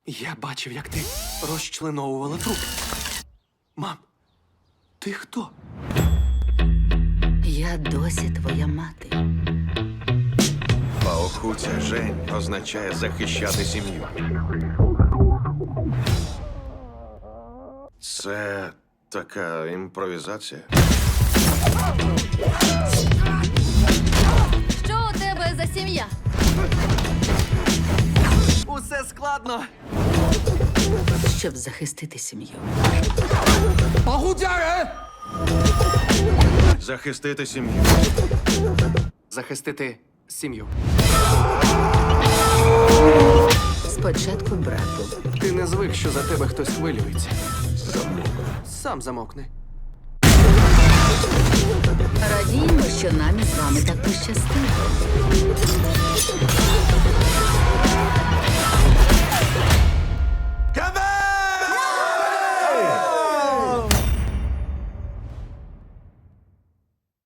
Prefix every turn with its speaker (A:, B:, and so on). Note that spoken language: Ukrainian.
A: Я бачив, як ти розчленовувала труп. Мам, ти хто?
B: Я досі твоя мати.
C: Паохуця Жень означає захищати сім'ю. Це така імпровізація.
D: Що у тебе за сім'я?
A: Усе складно.
B: Щоб захистити сім'ю.
C: Захистити сім'ю.
A: Захистити сім'ю.
B: Спочатку брату.
A: Ти не звик, що за тебе хтось хвилюється. Сам замовкни.
B: Радіємо, що нам із вами так пощастило.